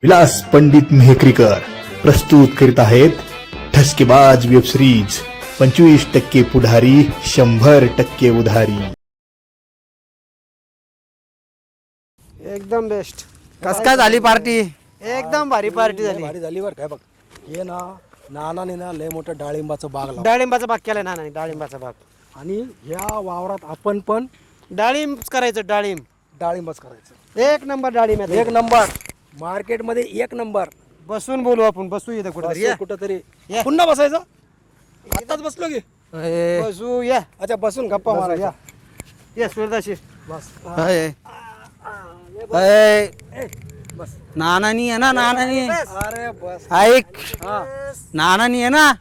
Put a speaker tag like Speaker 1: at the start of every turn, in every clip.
Speaker 1: विलास पंडित मेहकरीकर प्रस्तुत करीत आहेत ठसकेबाज वेब सिरीज 25% पुढारी 100% उधारी.
Speaker 2: एकदम बेस्ट.
Speaker 3: कस काय झाली पार्टी?
Speaker 2: एकदम भारी पार्टी झाली.
Speaker 4: भारी झाली बरं काय बघ. हे ना नानाने ना लय मोठं डाळिंबाचं बाग लावलं
Speaker 2: डाळिंबाचा भाग केलाय ना, नाही डाळिंबाचा भाग.
Speaker 4: आणि ह्या वावरात आपण पण
Speaker 2: डाळिंब करायचं.
Speaker 4: डाळिंबच करायचं.
Speaker 2: एक नंबर डाळिंब आहे.
Speaker 4: एक नंबर मार्केटमध्ये एक नंबर.
Speaker 2: बसून बोलू आपण. बसू इथं कुठेतरी.
Speaker 4: बसू कुठंतरी
Speaker 2: या.
Speaker 4: पुन्हा बसायचं. आताच बसलो की
Speaker 2: बसू या.
Speaker 4: अच्छा बसून गप्पा मारायच्या.
Speaker 2: या सूर्यदाशी
Speaker 4: बस बस.
Speaker 3: नानानी आहे ना, नानानी
Speaker 4: अरे बस.
Speaker 3: ऐक,
Speaker 4: हा
Speaker 3: नानानी आहे ना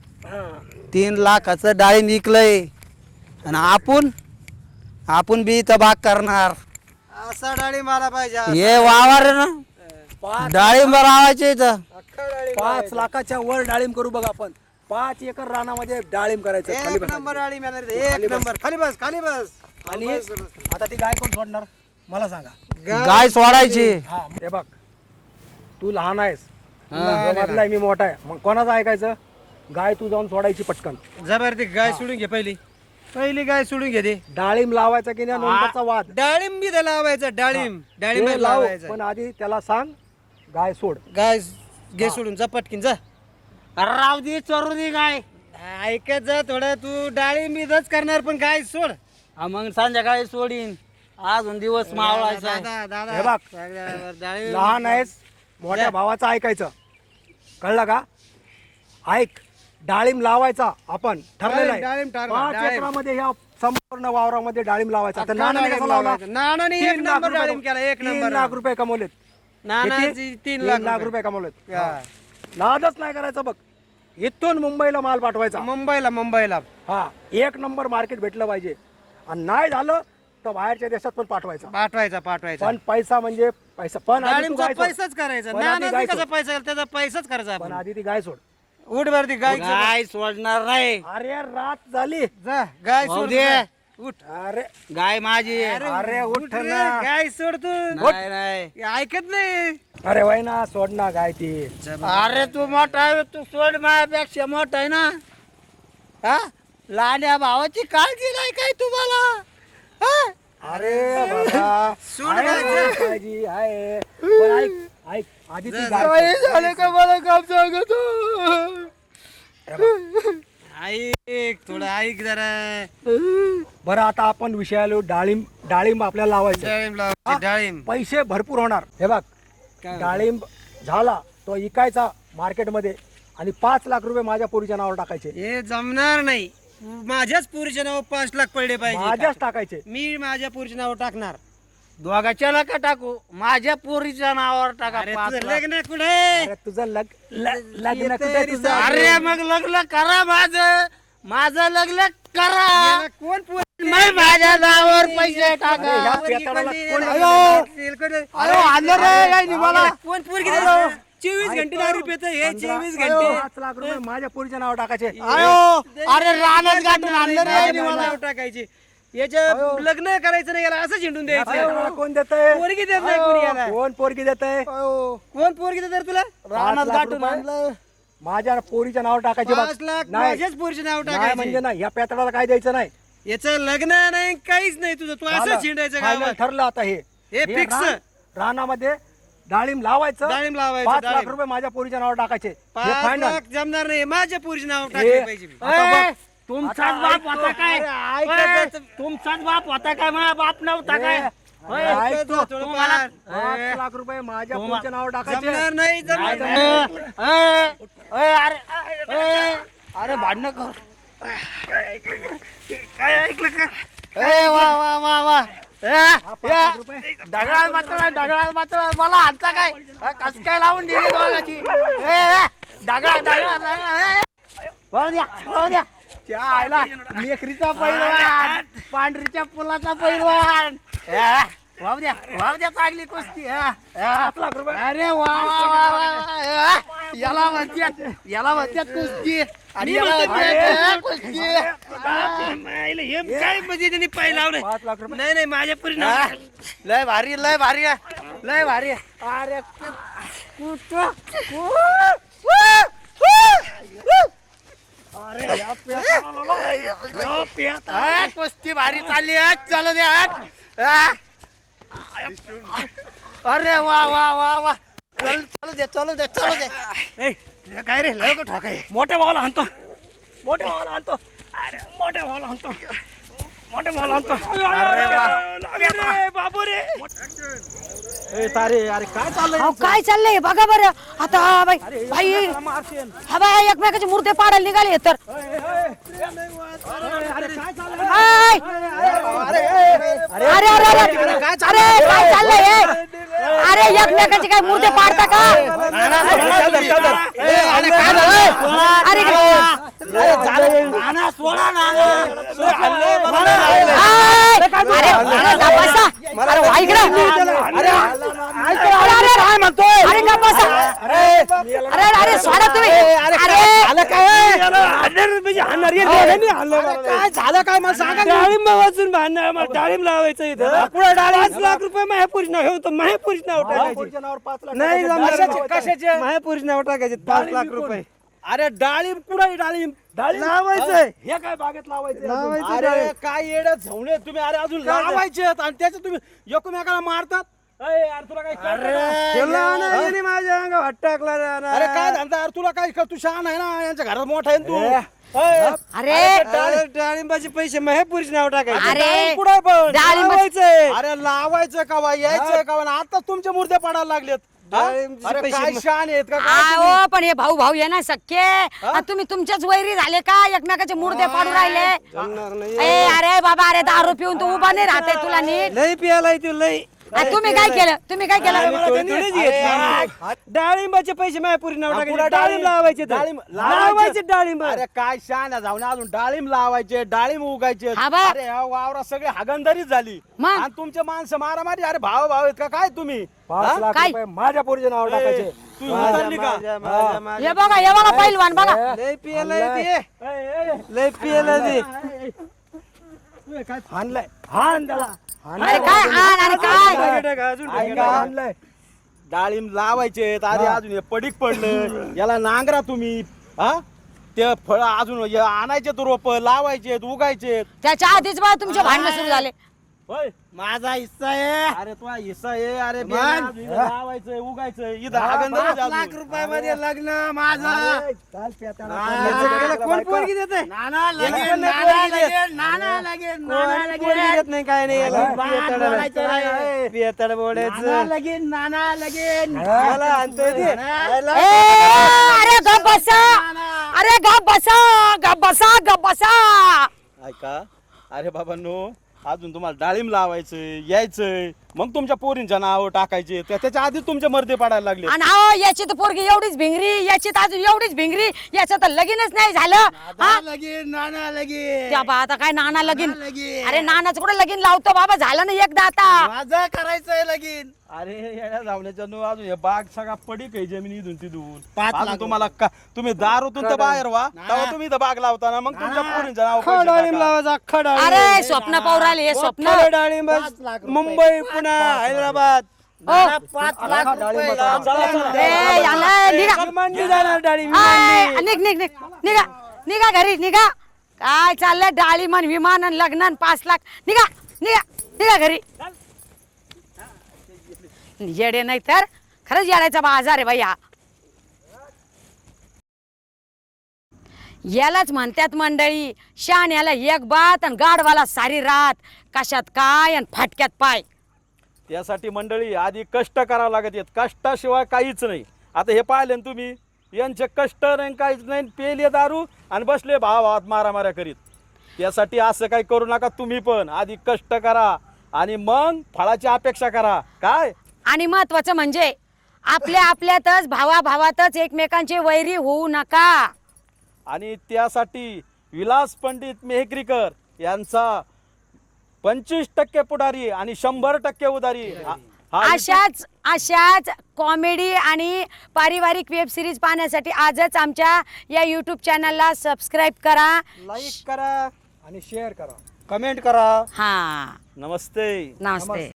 Speaker 3: 3 लाखाचं डाळिंब विकलंय आणि आपण बी इथं बाग करणार.
Speaker 2: असा डाळिंब आला पाहिजे.
Speaker 3: हे वावर आहे ना, डाळिंब लावायचे इथं.
Speaker 4: 5 लाखाच्या वर डाळिंब करू बघ आपण. 5 एकर रानामध्ये डाळिंब करायचं. खाली
Speaker 2: एक
Speaker 4: बसायचं.
Speaker 2: नंबर डाळिंब येणार इथे. एक नंबर. खाली बस, खाली बस.
Speaker 4: आणि आता ती गाय कोण सोडणार मला सांगा.
Speaker 3: गाय सोडायची.
Speaker 4: हा हे बघ, तू लहान आहेस, मधला आहे, मी मोठा आहे. मग कोणाचं ऐकायचं? गाय तू जाऊन सोडायची पटकन.
Speaker 2: जबरदस्ती गाय सोडून घे. पहिली गाय सोडून घे.
Speaker 4: डाळिंब लावायचा की नाही नंतरचा वाद.
Speaker 2: डाळिंब बी त्याला लावायचं. डाळिंब
Speaker 4: ते लाव,
Speaker 2: लावायचं.
Speaker 4: पण आधी त्याला सांग गाय सोड.
Speaker 2: गाय घे सोडून. जा पटकीन जा.
Speaker 3: राव दे, चरू दे गाय.
Speaker 2: ऐकत जा थोडं. तू डाळिंब इथंच करणार, पण गाय सोड.
Speaker 3: मग संध्याकाळी सोडीन. अजून दिवस मावळायचा आहे.
Speaker 2: दादा
Speaker 4: हे बघ,
Speaker 2: डाळिंब
Speaker 4: लहान आहेस, मोठ्या भावाचं ऐकायचं. कळलं का? ऐक, डाळिंब लावायचा आपण ठरलेलं आहे.
Speaker 2: डाळिंब ठरलं,
Speaker 4: 5
Speaker 2: डाळिंब.
Speaker 4: एकरामध्ये ह्या संपूर्ण वावरामध्ये डाळिंब लावायचा. तर नानाने कसा लावला?
Speaker 2: नानाने 1 नंबर डाळिंब केला. 1
Speaker 4: 3
Speaker 2: नंबर.
Speaker 4: लाख रुपये कमवलेत.
Speaker 2: नानाची 3
Speaker 4: लाख
Speaker 2: लाख
Speaker 4: रुपये कमवलेत.
Speaker 2: हा.
Speaker 4: लाजच नाही करायचं बघ. इथून मुंबईला माल पाठवायचा.
Speaker 2: मुंबईला
Speaker 4: हा, 1 नंबर मार्केट भेटलं पाहिजे. आणि नाही झालं तर बाहेरच्या देशात पण पाठवायचं.
Speaker 2: पाठवायचा.
Speaker 4: पण पैसा म्हणजे पैसा. पण आधी तू
Speaker 2: डाळिंबचा
Speaker 4: गाय सोड.
Speaker 2: पैसाच करायचा.
Speaker 4: पण आधी गाय
Speaker 2: नानाचा
Speaker 4: सोड.
Speaker 2: कसा पैसा आहे, त्याचा पैसाच करायचा
Speaker 4: पण
Speaker 2: आपण.
Speaker 4: आधी ती गाय सोड.
Speaker 2: उठ वरती गाय.
Speaker 3: गाय सोडणार नाही.
Speaker 4: अरे रात झाली.
Speaker 2: जा गाय
Speaker 3: भाऊ
Speaker 2: सोड.
Speaker 3: दे.
Speaker 2: उठ.
Speaker 4: अरे
Speaker 3: गाय माझी आहे.
Speaker 4: अरे उठ
Speaker 2: रे,
Speaker 4: ना.
Speaker 2: गाय सोड तू.
Speaker 3: नाही, नाही.
Speaker 2: ऐकत नाही.
Speaker 4: अरे वय ना, सोड ना गाय ती.
Speaker 3: अरे तू मोठा आहे, तू सोड. माझ्यापेक्षा मोठा आहे ना. हा, लहान्या भावाची काळजी नाही काय तुम्हाला? हा?
Speaker 4: अरे बाबा,
Speaker 2: सोड
Speaker 4: आहे
Speaker 2: गाय,
Speaker 4: ना,
Speaker 2: जा.
Speaker 4: काळजी आहे. पण ऐक ऐक, आधी ती गाय
Speaker 3: वय
Speaker 4: सोड.
Speaker 3: झालं का मला काम सांगतो?
Speaker 2: ऐक थोडं. ऐक जरा.
Speaker 4: बरं आता आपण विषयाला डाळिंब आपल्याला लावायचं.
Speaker 2: डाळिंब लावायची. डाळिंब
Speaker 4: पैसे भरपूर होणार. हे बघ, डाळिंब झाला तो इकायचा मार्केटमध्ये आणि 5 लाख रुपये माझ्या पोरीच्या नावावर टाकायचे.
Speaker 2: हे जमणार नाही. माझ्याच पुरीच्या नाव 5 लाख पडले पाहिजे.
Speaker 4: माझ्याच टाकायचे.
Speaker 2: मी माझ्या पुरीच्या नाव टाकणार.
Speaker 3: दोघाच्या नका टाकू, माझ्या पोरीच्या नावावर टाका.
Speaker 2: अरे
Speaker 3: 5
Speaker 2: तुझं
Speaker 3: लाख.
Speaker 2: लग्न कुठे?
Speaker 4: अरे तुझं लग्न कुठे आहे तुझं?
Speaker 3: अरे मग लग्न करा माझं लग्न करा.
Speaker 2: याला कोण पोरगी?
Speaker 3: नाही, माझ्या नावावर पैसे
Speaker 4: अरे
Speaker 3: टाका.
Speaker 4: ह्या पेताळाला कोण
Speaker 3: अरे आणलं रे काय नाही मला.
Speaker 2: कोण पोरगी देणार? 24 घंटे दारू पितं हे. 24 घंटे
Speaker 4: 5 लाख रुपये माझ्या पोरीच्या नावावर टाकायचे.
Speaker 3: अरे रानात गाठून आणलं रे
Speaker 2: नाही, मला नाव टाकायचे. याच्या लग्न करायचं नाही, याला असं झेंडून
Speaker 4: मला
Speaker 2: द्यायचं.
Speaker 4: कोण देतंय?
Speaker 2: पोरगी देत नाही कोणी याला.
Speaker 4: कोण पोरगी देतंय?
Speaker 2: कोण पोरगी देतात तुला?
Speaker 3: रानात
Speaker 4: 5 लाख
Speaker 3: गाठून
Speaker 4: रुपये
Speaker 3: आणलं.
Speaker 4: माझ्या पोरीच्या नावावर टाकायचे.
Speaker 2: 5 लाख
Speaker 4: नाही
Speaker 2: माझ्याच पोरीचे नाव
Speaker 4: नाही
Speaker 2: टाकायचे.
Speaker 4: म्हणजे ना, या पेताळाला काय द्यायचं नाही.
Speaker 2: याचं लग्न नाही, काहीच नाही तुझं. तू असं झेंडायचं
Speaker 4: Final
Speaker 2: गावात.
Speaker 4: ठरलं आता हे.
Speaker 2: हे fix.
Speaker 4: रानामध्ये डाळिंब लावायचं.
Speaker 2: डाळिंब लावायचं.
Speaker 4: 5 लाख
Speaker 2: डाळिंब.
Speaker 4: रुपये माझ्या पोरीच्या नावावर टाकायचे. हे
Speaker 2: 5
Speaker 4: फायनल.
Speaker 2: लाख जमणार नाही. माझ्या पुरीचे नाव टाकले पाहिजे.
Speaker 3: ए, तुमचाच
Speaker 4: आता
Speaker 3: बाप होता काय?
Speaker 2: ऐकत
Speaker 3: ए, तुमचाच बाप होता काय? माझा बाप नव्हता काय? होय.
Speaker 2: ऐकत जा थोडंफार.
Speaker 4: 5 लाख रुपये माझ्या पोरीच्या नावावर टाकायचे.
Speaker 2: जमणार नाही. जमणार नाही.
Speaker 3: अरे भांडण कर. काय ऐकलं का? वा वा. दगडात मात्र मला हातचा काय कस काय लावून दिली दोघाची? दगड द्या. त्या आईला लेकरीचा पैलवान, पांढरीच्या पुलाचा पैलवान. वाव द्या चांगली कुस्ती.
Speaker 4: 5 लाख रुपये.
Speaker 3: अरे वा. याला म्हणतात कुस्ती आणि याला म्हणतात कुस्ती.
Speaker 2: हे काय म्हणजे त्यांनी पाय लावले?
Speaker 4: 5 लाख रुपये.
Speaker 2: नाही माझ्या पुरी
Speaker 3: लय भारी. अरे कुस्ती भारी चालली आहे, चलो दे अरे वा वा वा वा चलो दे चलो दे चलो दे काय रे लय ठोकाय
Speaker 2: मोठ्या भावाला आणतो मोठ्या भावाला आणतो अरे मोठ्या भावाला आणतो मोठ्या भावाला आणतो अरे बाबू रे
Speaker 4: तारे अरे काय चाललंय
Speaker 5: अहो, काय चाललंय बघा बरं आता बाई बाई हा बाई एकमेकाचे मूर्ते पाडायला निघाले तर हाय. अरे अरे अरे काय चाललंय हे? अरे एकमेकाचे काय मूर्ते पाडता का अरे अरे का बसा अरे अरे सोडा तुम्ही अरे
Speaker 2: काय झालं काय मला सांगा डाळिंब वाजून भांडण डाळिंब लावायचं इथं 5 लाख रुपये मायापुरीच नाव हे मायापुरीच नाव टाकायचे नाही
Speaker 4: कशाचे
Speaker 2: मायापुरीच नाव टाकायचे 5 लाख रुपये
Speaker 4: अरे डाळिंब कुठे डाळिंब
Speaker 2: लावायचंय
Speaker 4: हे काय बागेत लावायचं
Speaker 2: लावायचं
Speaker 4: अरे
Speaker 2: डाळिंब.
Speaker 4: काय येडत झवणे तुम्ही अरे अजून लावायचे आणि त्याचे तुम्ही एकमेकाला मारतात अरे तुला काय
Speaker 2: याने माझ्या अंगावर हात टाकला रे अण्णा.
Speaker 4: अरे काय धंदा अरे तुला काय तू शहाण आहे ना यांच्या घरात मोठा आहे ना तू अय,
Speaker 5: अरे
Speaker 2: डाळिंबाचे पैसे मायापुरीच नाव टाकायचे
Speaker 5: अरे
Speaker 4: डाळिंब कुठं आहे पण
Speaker 5: डाळिंब
Speaker 2: लावायचंय
Speaker 4: अरे लावायचं का बा यायचं का बा आता तुमच्या मूर्त्या पडायला लागलेत हा?
Speaker 2: डाळिंबचे
Speaker 4: अरे
Speaker 2: पैसे
Speaker 4: काय शान आहेत का काय तुम्ही?
Speaker 5: आओ पण हे भाऊ भाऊ ये ना सख्खे तुम्ही तुमच्याच वैरी झाले का एकमेकाचे मूर्ते पाडू राहिले
Speaker 2: जमणार नाही
Speaker 5: ए अरे बाबा अरे दारू पिऊन तू उभा नाही राहते तुला नीट
Speaker 2: लई पियालाय तू लई
Speaker 5: तुम्ही काय केलं तुम्ही काय केलं
Speaker 2: डाळिंबाचे पैसे मायापुरी नाव
Speaker 4: हा,
Speaker 2: टाकायचे
Speaker 4: पुढं
Speaker 2: डाळिंब लावायचे
Speaker 4: डाळिंब
Speaker 2: लावायचे डाळिंब
Speaker 4: अरे काय शान आहे जाऊन अजून डाळिंब लावायचे डाळिंब उगायचे
Speaker 5: हा बा.
Speaker 4: अरे ह्या वावरात सगळे हागंदारीच झाली
Speaker 5: मग?
Speaker 4: आणि तुमचे माणसं मारामारी अरे भाव भाव आहेत का काय तुम्ही
Speaker 3: 5 लाख
Speaker 5: काय?
Speaker 3: रुपये माझ्या पोरीचे नाव टाकायचे
Speaker 4: तू उतरली का
Speaker 5: हे बघा पहिलवान बघा
Speaker 2: लई पियालाय ते लई पियालाय ते
Speaker 3: हाणलाय हाण त्याला
Speaker 5: अरे काय आण अरे काय
Speaker 2: अजून
Speaker 3: हाणलाय
Speaker 4: डाळिंब लावायचे अरे अजून हे पडीक पडलं याला नांगरा तुम्ही हा ते फळ अजून हे आणायचे तो रोप लावायचे उगायचे
Speaker 5: त्याच्या आधीच बघा तुमचे भांडणं सुरू झाले
Speaker 4: होय
Speaker 3: माझा हिस्सा आहे
Speaker 4: अरे तू हिस्सा आहे अरे लावायचं उगायचं इथं हागंदारीच
Speaker 3: 5 लाख
Speaker 4: अजून.
Speaker 3: रुपयामध्ये लग्न माझं
Speaker 2: कोण पोरगी देते
Speaker 3: नाना लगेन
Speaker 2: कोण
Speaker 3: नाना
Speaker 2: पोरगी देत?
Speaker 3: लगेन नाना लगेन नाना
Speaker 2: कोण पोरगी
Speaker 3: लगेन
Speaker 2: देत नाही काय नाही याला
Speaker 3: बाप बोलायचं नाही.
Speaker 2: पियतड
Speaker 3: नाना
Speaker 2: बोलायचं
Speaker 3: लगेन नाना लगेन
Speaker 2: याला आणतोय ते याला-
Speaker 5: अरे गप बसा अरे गप बसा गप बसा गप बसा
Speaker 4: ऐका अरे बाबा नो अजून तुम्हाला डाळिंब लावायचंय यायचंय मग तुमच्या पोरींच्या नाव टाकायचे त्याच्या आधीच तुमचे मर्दे पाडायला लागले
Speaker 5: आणि हो याची तर पोरगी एवढीच भिंगरी याची तर अजून एवढीच भिंगरी याचं तर लगीनच नाही झालं हा
Speaker 3: नाना लगेन नाना लगेन
Speaker 5: त्या बा आता काय नाना लगीन
Speaker 3: लगीन.
Speaker 5: अरे नानाचं कुठे लगीन लावतो बाबा झालं ना एकदा आता
Speaker 3: माझं करायचंय लगीन
Speaker 4: अरे येड्या जावण्याच्या नो अजून हे बाग सगळा पडीक आहे जमीन इथून तिथून
Speaker 3: 5
Speaker 4: अजून
Speaker 3: लाख
Speaker 4: तुम्हाला तुम्ही दारूतून तर बाहेर व्हा तेव्हा तुम्ही इथं बाग लावताना मग तुमच्या पोरींच्या नाव
Speaker 2: अख्खा डाळिंब लावायचा अख्खा डाळिंब
Speaker 5: अरे स्वप्न पाहू राहिले हे स्वप्न
Speaker 2: अख्खा डाळिंब
Speaker 3: 5 लाख रुपये.
Speaker 2: मुंबई पुणे हैदराबाद
Speaker 3: नाना 5 लाख रुपये
Speaker 5: ए, याला निघा
Speaker 2: विमाननी जाणार डाळिंब
Speaker 5: आय,
Speaker 2: विमाननी.
Speaker 5: निघ निघ निघ निघा निघा घरी निघा काय चाललंय डाळी मन विमान आणि लग्न आणि 5 लाख निघा निघा निघा घरी येडे नाही तर खरंच येड्याचा बाजार आहे बाई हा यालाच म्हणतात मंडळी शाण्याला एक बात आणि गाढवाला सारी रात कशात काय आणि फाटक्यात पाय
Speaker 4: त्यासाठी मंडळी आधी कष्ट करावं लागत आहेत कष्टाशिवाय काहीच नाही आता हे पाहिले ना तुम्ही यांचे कष्ट नाही काहीच नाही पेले दारू आणि बसले भावात मारामाऱ्या करीत त्यासाठी असं काही करू नका तुम्ही पण आधी कष्ट करा आणि मग फळाची अपेक्षा करा काय
Speaker 5: आणि महत्वाचं म्हणजे आपल्या आपल्यातच भावाभावातच एकमेकांचे वैरी होऊ नका
Speaker 4: आणि त्यासाठी विलास पंडित मेहकरीकर यांचा 25% पुढारी आणि 100% उधारी हा
Speaker 5: अशाच कॉमेडी आणि पारिवारिक वेब सिरीज पाहण्यासाठी आजच आमच्या या यूट्यूब चॅनलला सबस्क्राईब करा
Speaker 2: लाईक करा
Speaker 3: आणि शेअर करा
Speaker 2: कमेंट करा
Speaker 5: हा
Speaker 4: नमस्ते
Speaker 5: नमस्ते